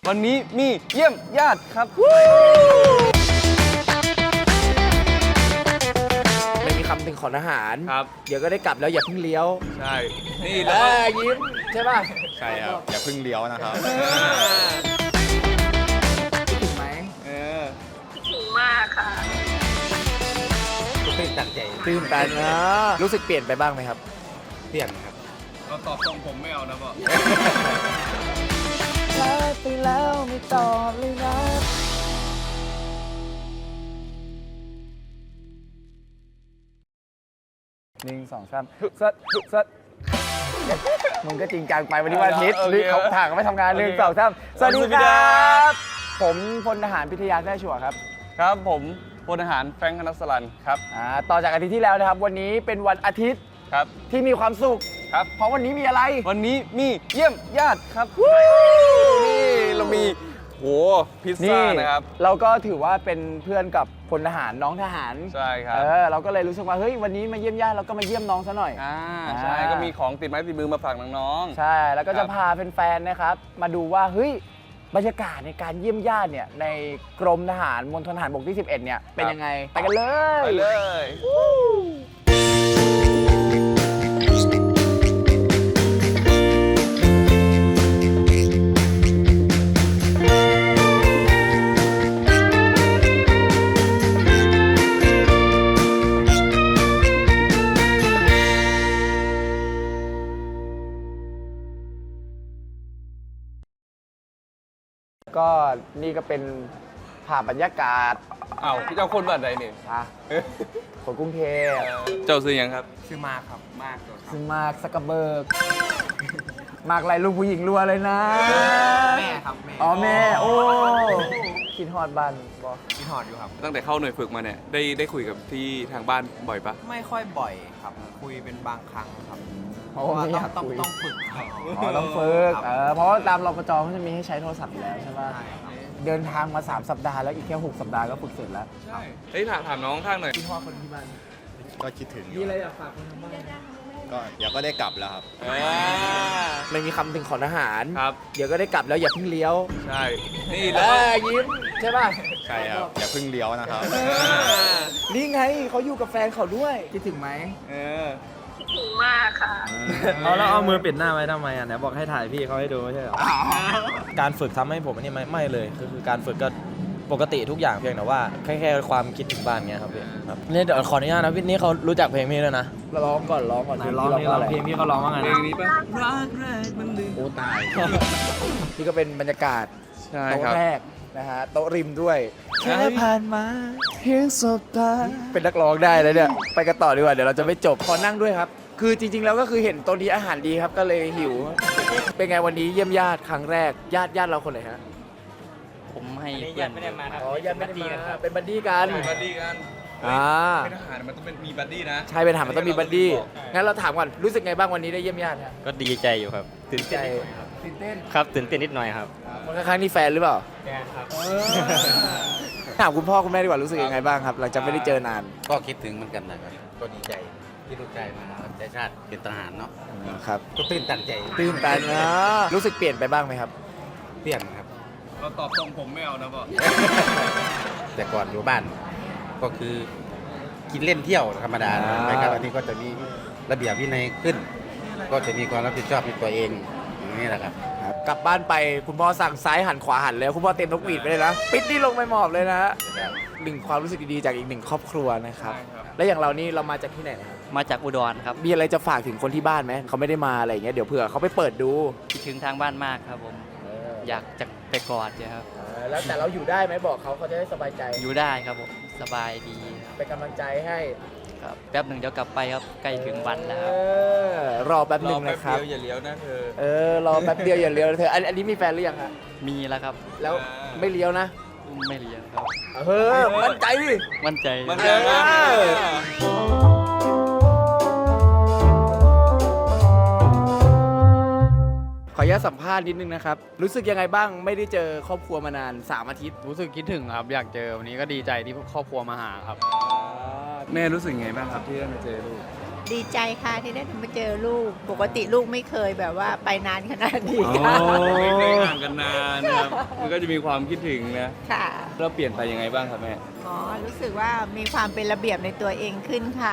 วันนี้มีเยี่ยมญาติครับไม่มีคำถึงขอทหารครับเดี๋ยวก็ได้กลับแล้วอย่าเพิ่งเลี้ยวใช่นี่เอแล้วยิ้มใช่ป่ะใช่ครับ อย่าเพิ่งเลี้ยวนะครับคิดถึงไหมถึงมากค่ะตื่นตันใจตื่นตันนะรู้สึกเปลี่ยนไปบ้างไหมครับเปลี่ยนครับเราตอบตรงผมไม่เอานะพ่อไปแล้วไม่ตอบเลยนะ1 2 3มึงก็จริงจังไปวันนี้วันอาทิตย์นี่เขาถ่างก็ไม่ทำงาน1 2 3สวัสดีครับผมพลทหารพิทยาแท้ชัวร์ครับครับผมพลทหารแฟรงค์คณัสลันครับต่อจากอาทิตย์ที่แล้วนะครับวันนี้เป็นวันอาทิตย์ครับที่มีความสุขครับเพราะวันนี้มีอะไรวันนี้มีเยี่ยมญาติครับนี่เรามีโหพิซซ่านะครับเราก็ถือว่าเป็นเพื่อนกับพลทหารน้องทหารใช่ครับเราก็เลยรู้สึกว่าเฮ้ยวันนี้มาเยี่ยมญาติเราก็มาเยี่ยมน้องซะหน่อยใช่ก็มีของติดไม้ติดมือมาฝากน้องๆใช่แล้วก็ครัจะบพาแฟนๆนะครับมาดูว่าเฮ้ยบรรยากาศในการเยี่ยมญาติเนี่ยในกรมทหารมณฑลทหารบกที่ 11เนี่ยเป็นยังไงไปกันเลยไปเลยก็นี่ก็เป็นภาพบรรยากาศอ้าวเจ้าคนบ้านใดนี่คนกรุงเทพเจ้าซื้อยังครับชื่อมากครับมากชื่อมากซักกระเบิร์กมากไรลูกผู้หญิงรัวเลยนะแม่ครับแม่อ๋อแม่โอ้คิดฮอดบ้านบอคิดฮอดอยู่ครับตั้งแต่เข้าหน่วยฝึกมาเนี่ยได้คุยกับที่ทางบ้านบ่อยปะไม่ค่อยบ่อยครับ คุยเป็นบางครั้งครับเพราะว่าไม่อยากต้องคุยต้องฝึกครับต้องฝึกครับเพราะว่าตามรปจเขาจะมีให้ใช้โทรศัพท์อยู่แล้วใช่ไหมใช่ครับเดินทางมา3 สัปดาห์แล้วอีกแค่6 สัปดาห์ก็ฝึกเสร็จแล้วใช่เฮ้ยถามน้องข้างหน่อยคิดฮอดคนที่บ้านก็คิดถึงอยู่มีอะไรอยากฝากคนทางบ้านก็เดี๋ยวก็ได้กลับแล้วครับไม่มีคำถึงขอทหารครับเดี๋ยวก็ได้กลับแล้วอย่าเพิ่งเลี้ยวใช่นี่เอแล้วยิ้มใช่ป่ะใช่ครับ อย่าเพิ่งเลี้ยวนะครับนี่ไงเขาอยู่กับแฟนเขาด้วยคิดถึงไหมถึงมากค่ะแล้วเอามือปิดหน้าไว้ทำไมอ่ะไหนบอกให้ถ่ายพี่เขาให้ดูไม่ใช่เหรอ การฝึกทำให้ผมอันนี้ไม่เลยคือการฝึกก็ปกติทุกอย่างเพียงแต่ว่าแค่ความคิดถึงบ้านเงี้ยครับพี่ครับนี่เดี๋ยวขออนุญาตนะพี่นี่เขารู้จักเพลงพี่ด้วยนะร้องก่อนร้องก่อนไหนร้องนี่ร้องเพลงพี่เขาร้องว่าไงเพลนะงนี้ปะโอ้ตาย นี่ก็เป็นบรรยากาศใช่โต๊ะครับแรกนะฮะโต๊ะริมด้วยแค่ผ่านมาเพียงสบตาเป็นนักร้องได้แล้วเนี่ยไปกันต่อดีกว่าเดี๋ยวเราจะไม่จบขอนั่งด้วยครับ คือจริง ๆ แล้วก็คือเห็นโต๊ะนี้อาหารดีครับก็เลยหิว เป็นไงวันนี้เยี่ยมญาติครั้งแรกญาติเราคนไหนฮะผมให้เพื่อนไม่ได้มาครับอ๋อญาติไม่ได้มาเป็นบัดดี้กันเป็นบัดดี้กัน เป็นทหารมันต้องมีบัดดี้นะใช่เป็นทหารมันต้องมีบัดดี้งั้นเราถามก่อนรู้สึกไงบ้างวันนี้ได้เยี่ยมญาติฮะก็ดีใจอยู่ครับตื่นใจเต้นตื่นเต้นครับตื่นเต้นนิดหน่อยครับคนข้างๆนี่แฟนหรือเปล่าแกครับถามคุณพ่อคุณแม่ดีกว่ารู้สึกยังไงบ้างครับหลังจากไม่ได้เจอนานก็คิดถึงเหมือนกันนะครับ ก็ดีใจที่ลูกชายมารับใช้ชาติเป็นทหารเนาะครับก็ตื่นตันใจตื่นตันนะรู้สึกเปลี่ยนไปบ้างไหมครับเปลี่ยนครับเราตอบตรงผมไม่เอานะพ่อแต่ก่อนอยู่บ้าน ก็คือกินเล่นเที่ยวธรรมดาไปครับอันนี้ก็จะมีระเบียบวินัยขึ้น ก็จะมีความรับผิดชอบในตัวเองอย่างนี้แหละครับกลับบ้านไปคุณพ่อสั่งซ้ายหันขวาหันแล้วคุณพ่อเต็มนกหวีดไปเลยนะปิดนี่ลงไปหมอบเลยนะหนึ่งความรู้สึกดีๆจากอีกหนึ่งครอบครัวนะครับใช่ครับและอย่างเรานี่เรามาจากที่ไหนนะครับมาจากอุดรครับมีอะไรจะฝากถึงคนที่บ้านไหมเขาไม่ได้มาอะไรอย่างเงี้ยเดี๋ยวเผื่อเขาไปเปิดดูคิดถึงทางบ้านมากครับผม อยากจะไปกอดเนี่ยครับแล้วแต่เราอยู่ได้ไหมบอกเขาเขาจะได้สบายใจอยู่ได้ครับผมสบายดีครับเป็นกำลังใจให้ครับแป๊บหนึ่งเดี๋ยวกลับไปครับใกล้ถึงวันแล้วครับรอแป๊บหนึ่งนะครับเดียวอย่าเลี้ยวนะเธอรอแป๊บเดียวอย่าเลี้ยวนะเธออันนี้มีแฟนหรือยังฮะมีแล้วครับแล้วไม่เลี้ยวนะไม่เลี้ยงครับมั่นใจดิมั่นใจมันจะมาขออนุญาตสัมภาษณ์นิดนึงนะครับ รู้สึกยังไงบ้างไม่ได้เจอครอบครัวมานาน 3 อาทิตย์รู้สึกคิดถึงครับอยากเจอวันนี้ก็ดีใจที่ครอบครัวมาหาครับแม่รู้สึกไงบ้างครับที่ได้มาเจอลูกดีใจค่ะที่ได้มาเจอลูก ปกติลูกไม่เคยแบบว่าไปนานขนาดนี้ไม่ได้ห่างกันนานนะครับครับมันก็จะมีความคิดถึงนะค่ะเราเปลี่ยนไปยังไงบ้างครับแม่อ๋อ รู้สึกว่ามีความเป็นระเบียบในตัวเองขึ้นค่ะ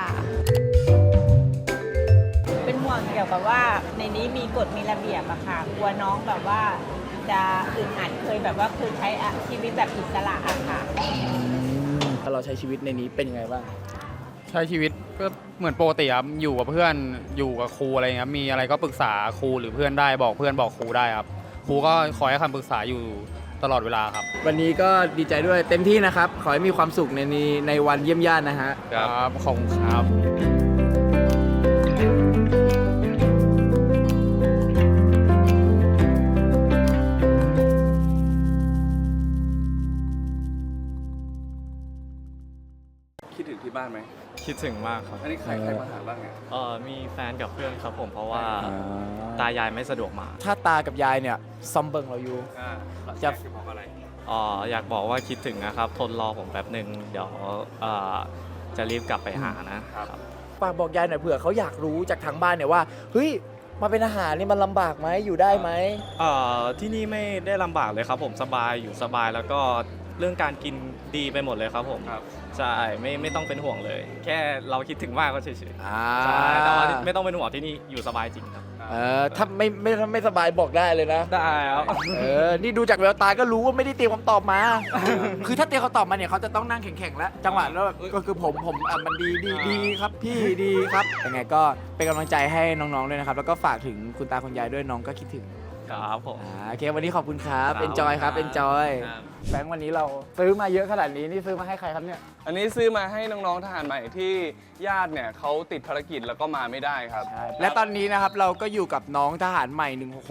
เป็นห่วงเกี่ยวกับว่าในนี้มีกฎมีระเบียบอะค่ะ กลัวน้องแบบว่าจะอึดอัดเคยแบบว่าเคยใช้ชีวิตแบบอิสระอะค่ะถ้าเราใช้ชีวิตในนี้เป็นยังไงบ้างใช้ชีวิตก็เหมือนปกติครับอยู่กับเพื่อนอยู่กับครูอะไรเงี้ยมีอะไรก็ปรึกษาครูหรือเพื่อนได้บอกเพื่อนบอกครูได้ครับครูก็คอยให้คำปรึกษาอยู่ตลอดเวลาครับวันนี้ก็ดีใจด้วยเต็มที่นะครับ ขอให้มีความสุขในวันเยี่ยมญาตินะฮะครับขอบคุณครับคิดถึงที่บ้านไหมคิดถึงมากครับอันนี้ใครมาหาบ้างเนี่ยมีแฟนกับเพื่อนครับผมเพราะว่าตายายไม่สะดวกมาถ้าตากับยายเนี่ยซอมเบิงเราอยู่จะจะบอกอะไรอยากบอกว่าคิดถึงนะครับ ทนรอผมแป๊บหนึ่งเดี๋ยวจะรีบกลับไปหานะครับฝากบอกยายหน่อยเผื่อเขาอยากรู้จากทางบ้านเนี่ยว่าเฮ้ยมาเป็นอาหารนี่มันลำบากไหมอยู่ได้ไหมที่นี่ไม่ได้ลำบากเลยครับผมสบายอยู่สบายแล้วก็เรื่องการกินดีไปหมดเลยครับผมครับใช่ไม่ต้องเป็นห่วงเลย แค่เราคิดถึงมากก็เฉยๆอ่าใช่แต่ว่าไม่ต้องเป็นห่วงที่นี่อยู่สบายจริงครับถ้าไม่สบายบอกได้เลยนะได้ครับนี่ดูจากแววตาก็รู้ว่าไม่ได้เตรียมคำตอบมา คือถ้าเตรียมคำตอบมาเนี่ยเขาจะต้องนั่งแข็งๆแล้ว จังหวะแล้วแบบก็คือผมมันดีครับพี่ดีครับยังไงก็เป็นกำลังใจให้น้องๆด้วยนะครับ แล้วก็ฝากถึงคุณตาคุณยายด้วยน้องก็คิดถึงครับผมโอเควันนี้ขอบคุณครับครับ enjoy ครับ enjoy ครับแบงค์วันนี้เราซื้อมาเยอะขนาดนี้นี่ซื้อมาให้ใครครับเนี่ยอันนี้ซื้อมาให้น้องๆทหารใหม่ที่ญาติเนี่ยเขาติดภารกิจแล้วก็มาไม่ได้ครับและตอนนี้นะครับเราก็อยู่กับน้องทหารใหม่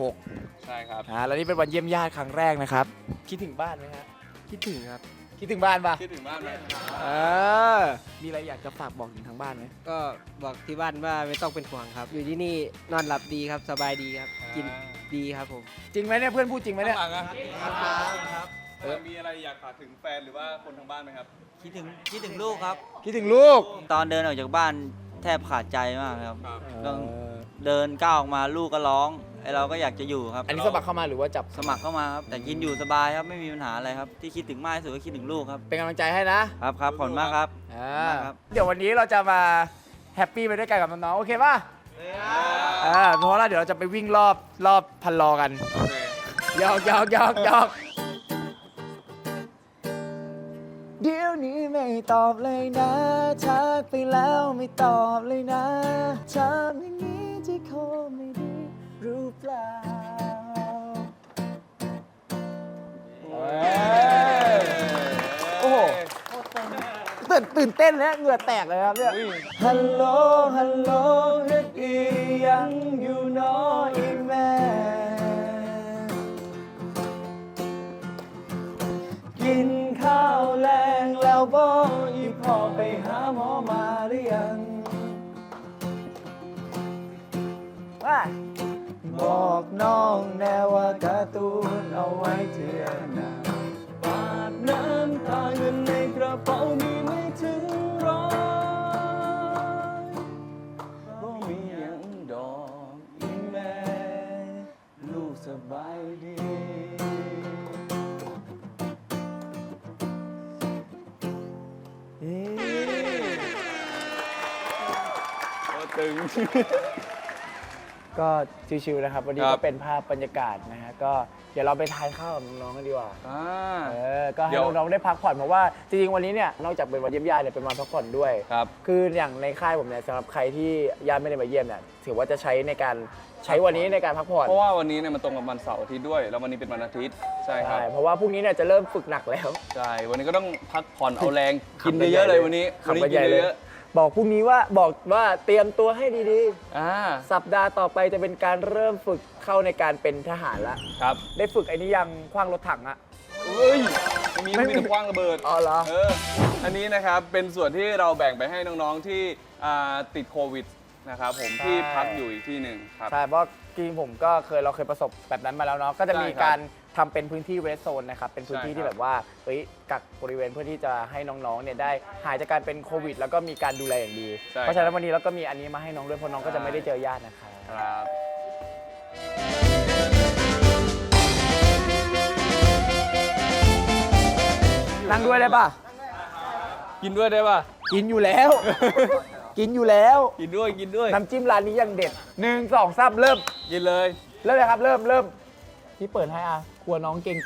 166 ใช่ครับแล้วนี่เป็นวันเยี่ยมญาติครั้งแรกนะครับ คิดถึงบ้านไหมฮะคิดถึงครับคิดถึงบ้านปะคิดถึงบ้านไหมมีอะไรอยากจะฝากบอกถึงทางบ้านไหมก็บอกที่บ้านว่าไม่ต้องเป็นห่วงครับ อยู่ที่นี่นอนหลับดีครับสบายดีครับ กินดีครับผมจริงไหมเนี่ยเพื่อนพูดจริงไหมเนี่ยครับมีอะไรอยากฝากถึงแฟนหรือว่าคนทางบ้านไหมครับคิดถึงลูกครับคิดถึงลูกตอนเดินออกจากบ้านแทบขาดใจมากครับครับต้องเดินก้าวออกมาลูกก็ร้องไอเราก็อยากจะอยู่ครับอันนี้สมัครเข้ามาหรือว่าจับสมัครเข้ามาครับ แต่กินอยู่สบายครับไม่มีปัญหาอะไรครับ ที่คิดถึงมากที่สุดก็คิดถึงลูกครับเป็นกำลังใจให้นะครับขอบคุณมากครับ ครับเดี๋ยววันนี้เราจะมาแฮปปี้ไปด้วยกันกับน้องๆโอเคป่ะเพราะว่าเดี๋ยวเราจะไปวิ่งรอบพันลอกันโอเคหยอกเดี๋ยวนี้ไม่ตอบเลยนะทักไปแล้วไม่ตอบเลยนะทำอย่างนี้ที่โคไม่ดีรู้เปล่าโอ้โหตื่นเต้นแล้วเหงื่อแตกเลยครับเนี่ยฮัลโหลเฮ็ดอียังอยู่น้อยแม่กินข้าวแรงแล้วบ่อีพ่อไปหาหมอมาหรือยังว่าบอกน้องแน่ว่าการ์ตูนเอาไว้เถื่อหน้าปาดน้ำตาเงินในกระเป๋ามีไม่ถึง100บ่มีหยังดอกอีแม่ลูกสบายดีตึงก็ชิวๆนะครับวันนี้ครัก็บเป็นภาพบรรยากาศนะฮะก็เดี๋ยวเราไปทานข้าวกับน้องๆกันดีกว่าก็ให้เดี๋ยวน้องๆได้พักผ่อนเพราะว่าจริงๆวันนี้เนี่ยนอกจากเป็นวันเยี่ยมญาติเนี่ยเป็นวันพักผ่อนด้วยครับคืออย่างในค่ายผมเนี่ยสำหรับใครที่ญาติไม่ได้มาเยี่ยมเนี่ยถือว่าจะใช้ในการใช้วันนี้ในการพักผ่อนเพราะว่าวันนี้เนี่ยมันตรงกับวันเสาร์อาทิตย์ด้วย แล้ววันนี้เป็นวันอาทิตย์ ใช่ครับใช่เพราะว่าพรุ่งนี้เนี่ยจะเริ่มฝึกหนักแล้วใช่ วันนี้ก็ต้องพักผ่อนเอาแรง กินเยอะๆเลยวันนี้ขับนี้ไปกิใหญ่นเลยเยอะบอกพรุ่งนี้ว่าบอกว่าเตรียมตัวให้ดีๆสัปดาห์ต่อไปจะเป็นการเริ่มฝึกเข้าในการเป็นทหารละครับได้ฝึกไอ้นี้ยังขว้างรถถังอะเอ้ยไม่มีแต่คว้างระเบิดอ๋อเหรออันนี้นะครับเป็นส่วนที่เราแบ่งไปให้น้องๆที่ติดโควิดนะครับผมที่พักอยู่อีกที่หนึ่งครับใช่เพราะจริงๆผมก็เราเคยประสบแบบนั้นมาแล้วเนาะก็จะมีใช่ครับการทำเป็นพื้นที่เรสโซนนะครับเป็นพื้นที่ใช่ครับที่แบบว่ากักบริเวณเพื่อที่จะให้น้องๆเนี่ยได้หายจากการเป็นโควิด แล้วก็มีการดูแลอย่างดีใช่เพราะฉะนั้นวันนี้เราก็มีอันนี้มาให้น้องด้วยเพราะน้องก็จะไม่ได้เจอญาตินะครับครับนั่งด้วยได้ป่ะกินด้วยได้ป่ะกินอยู่แล้ว กินอยู่แล้วกินด้วยกินด้วยน้ำจิ้มร้านนี้ยังเด็ด1 2 3เริ่มกินเลยเริ่มเลยครับเริ่มพี่เปิดให้อ่ะกลัวน้องเกรงใจ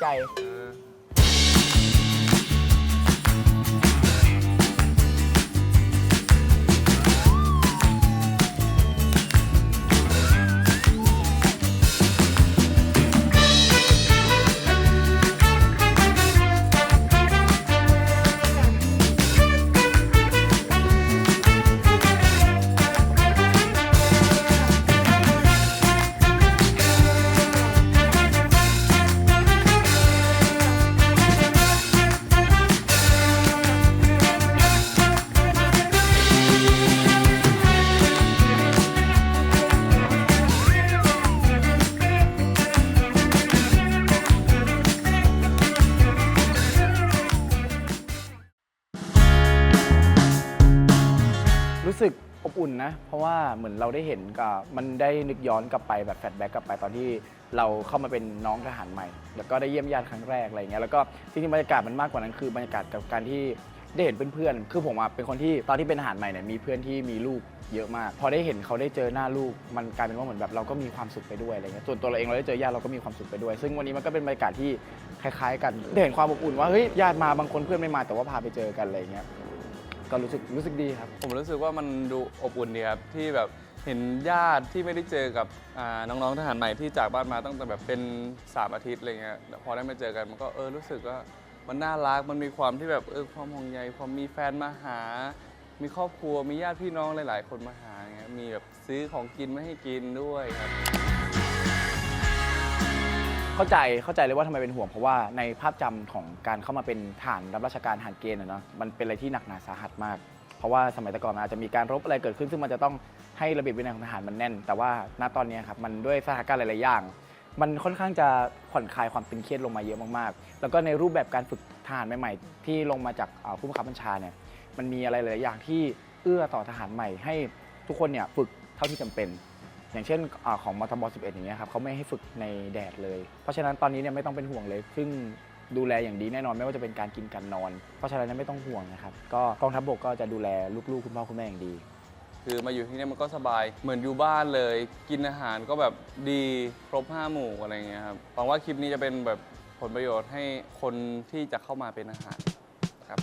รู้สึกอบอุ่นนะ เพราะว่าเหมือนเราได้เห็นกับมันได้นึกย้อนกลับไปแบบแฟลชแบ็กกลับไปตอนที่เราเข้ามาเป็นน้องทหารใหม่ แล้วก็ได้เยี่ยมญาติครั้งแรกอะไรเงี้ยแล้วก็จริงๆบรรยากาศมันมากกว่านั้นคือบรรยากาศกับการที่ได้เห็นเพื่อนๆคือผมเป็นคนที่ตอนที่เป็นทหารใหม่เนี่ยมีเพื่อนที่มีลูกเยอะมากพอได้เห็นเขาได้เจอหน้าลูกมันกลายเป็นว่าเหมือนแบบเราก็มีความสุขไปด้วยอะไรเงี้ยส่วนตัวเราเองเราได้เจอญาติเราก็มีความสุขไปด้วยซึ่งวันนี้มันก็เป็นบรรยากาศที่คล้ายๆกันได้เห็นความอบอุ่นว่าเฮ้ยญาติมาบางคนเพื่อนไม่มาแต่ว่าพาไปเจอกันอะไรเงี้ยก็รู้สึกดีครับผมรู้สึกว่ามันดูอบอุ่นดีครับที่แบบเห็นญาติที่ไม่ได้เจอกับน้องๆทหารใหม่ที่จากบ้านมาตั้งแต่แบบเป็น3 อาทิตย์อะไรเงี้ยพอได้มาเจอกันมันก็รู้สึกว่ามันน่ารักมันมีความที่แบบความห่วงใยความมีแฟนมาหา มีครอบครัวมีญาติพี่น้องหลายๆคนมาหาเงี้ยมีแบบซื้อของกินมาให้กินด้วยครับเข้าใจเลยว่าทำไมเป็นห่วงเพราะว่าในภาพจำของการเข้ามาเป็นทหารรับราชการทหารเกณฑ์เนาะมันเป็นอะไรที่หนักหนาสาหัสมากเพราะว่าสมัยแต่ก่อนมันอาจจะมีการรบอะไรเกิดขึ้นซึ่งมันจะต้องให้ระเบียบวินัยของทหารมันแน่นแต่ว่าณตอนนี้ครับมันด้วยสถานการณ์หลายๆอย่างมันค่อนข้างจะผ่อนคลายความตึงเครียดลงมาเยอะมากๆแล้วก็ในรูปแบบการฝึกทหารใหม่ๆที่ลงมาจากผู้บังคับบัญชาเนี่ยมันมีอะไรหลายๆอย่างที่เอื้อต่อทหารใหม่ให้ทุกคนเนี่ยฝึกเท่าที่จำเป็นอย่างเช่นของมทบ11อย่างเงี้ยครับเขาไม่ให้ฝึกในแดดเลยเพราะฉะนั้นตอนนี้เนี่ยไม่ต้องเป็นห่วงเลยซึ่งดูแลอย่างดีแน่นอนไม่ว่าจะเป็นการกินการนอนเพราะฉะนั้นไม่ต้องห่วงนะครับก็กองทัพบกก็จะดูแลลูกๆคุณพ่อคุณแม่อย่างดีคือมาอยู่ที่นี่มันก็สบายเหมือนอยู่บ้านเลยกินอาหารก็แบบดีครบ5 หมู่อะไรเงี้ยครับหวังว่าคลิปนี้จะเป็นแบบผลประโยชน์ให้คนที่จะเข้ามาเป็นอาหารครับ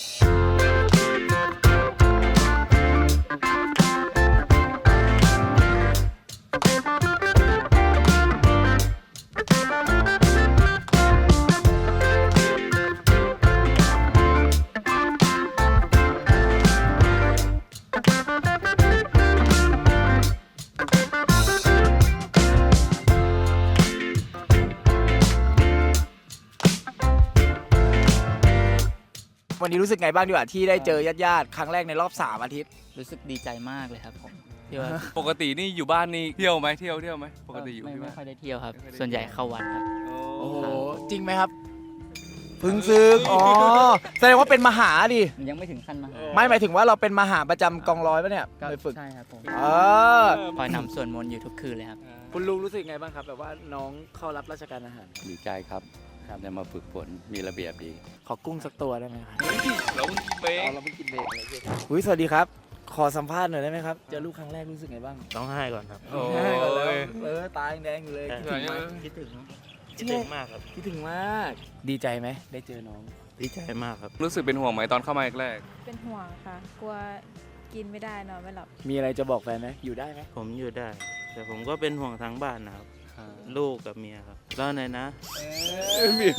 วันนี้รู้สึกไงบ้างดีกว่าที่ได้เจอญาติๆครั้งแรกในรอบ3 อาทิตย์รู้สึกดีใจมากเลยครับผมที่ว่าปกตินี่อยู่บ้านนี่เที่ยวไหมเที่ยวไหมปกติอยู่ที่บ้านไม่ค่อยได้เที่ยวครับส่วนใหญ่เข้าวัดครับโอ้โหจริงไหมครับพึ่งซึกอ๋อแสดงว่าเป็นมหาดิยังไม่ถึงขั้นมาไม่หมายถึงว่าเราเป็นมหาประจำกองร้อยปะเนี่ยไปฝึกใช่ครับผมคอยนำส่วนมนต์อยู่ทุกคืนเลยครับคุณลุงรู้สึกไงบ้างครับแบบว่าน้องเข้ารับราชการทหารดีใจครับได้มาฝึกฝนมีระเบียบดีขอกุ้งสักตัวได้ไหมครับเราเพิ่งกินเบรกเราเพิ่งกินเบรกเลยสวัสดีครับขอสัมภาษณ์หน่อยได้ไหมครับเจอลูกครั้งแรกรู้สึกไงบ้างต้องให้ก่อนครับโอ้ง่ายกว่าแล้วยตาแดงอยู่เลยคิดถึงไหมคิดถึงคิดถึงมากครับคิดถึงมากดีใจไหมได้เจอน้องดีใจมากครับรู้สึกเป็นห่วงไหมตอนเข้ามาแรกเป็นห่วงค่ะ กลัวกินไม่ได้นอนไม่หลับมีอะไรจะบอกแฟนไหมอยู่ได้ไหมผมอยู่ได้ แต่ผมก็เป็นห่วงทั้งบ้านนะครับ ลูกกับเมียครับแล้วไหนนะมี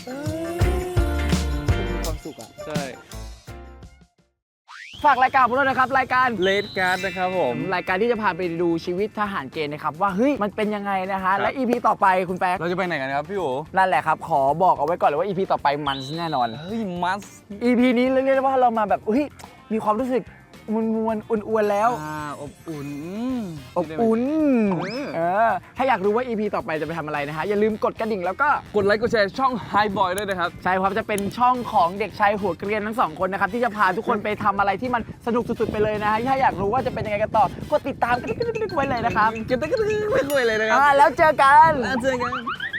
ความสุขอ่ะใช่ฝากรายการของเรานะครับรายการเลดการ์ดนะครับผมรายการที่จะพาไปดูชีวิตทหารเกณฑ์นะครับว่าเฮ้ยมันเป็นยังไงนะฮะและ EP ต่อไปคุณแป๊กเราจะไปไหนกันครับพี่โอนั่นแหละครับขอบอกเอาไว้ก่อนเลยว่า EP ต่อไปมันแน่นอนเฮ้ยมัส EP นี้เรียกได้ว่าเรามาแบบเฮ้ยมีความรู้สึกมวนๆอ้วนๆแล้วอบอุ่นอบอุ่นถ้าอยากรู้ว่า EP ต่อไปจะไปทำอะไรนะฮะอย่าลืมกดกระดิ่งแล้วก็กดไลค์กดแชร์ช่อง Hi Boy ด้วยนะครับใช่ครับจะเป็นช่องของเด็กชายหัวเกรียนทั้ง2 คนนะครับที่จะพาทุกคนไปทำอะไรที่มันสนุกสุดๆไปเลยนะฮะถ้าอยากรู้ว่าจะเป็นยังไงกันต่อกดติดตามกันไว้เลยนะครับกันไว้เลยนะครับแล้วเจอกันเจอกัน